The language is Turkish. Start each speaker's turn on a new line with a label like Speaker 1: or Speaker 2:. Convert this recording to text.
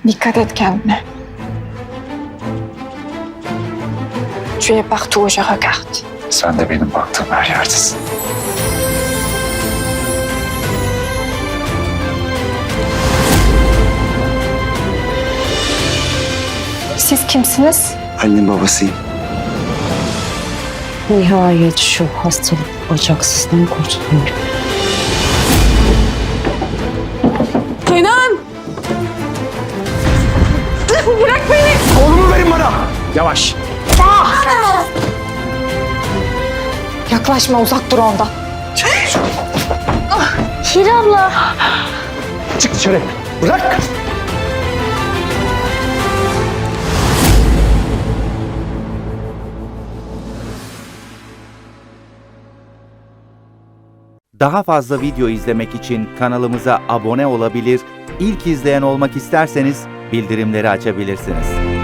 Speaker 1: Dikkat et kendine. Tu es partout où je regarde.
Speaker 2: Sen de benim baktığım her yerdesin.
Speaker 1: Siz kimsiniz?
Speaker 3: Annem babasıyım.
Speaker 4: Nihayet şu hastalık bacaksızdan kurtuluyorum.
Speaker 1: Kenan!
Speaker 3: Oğlumu verin bana. Yavaş.
Speaker 1: Yaklaşma, uzak dur ondan.
Speaker 4: Hira abla.
Speaker 3: Çık dışarı. Bırak.
Speaker 5: Daha fazla video izlemek için kanalımıza abone olabilir, ilk izleyen olmak isterseniz bildirimleri açabilirsiniz.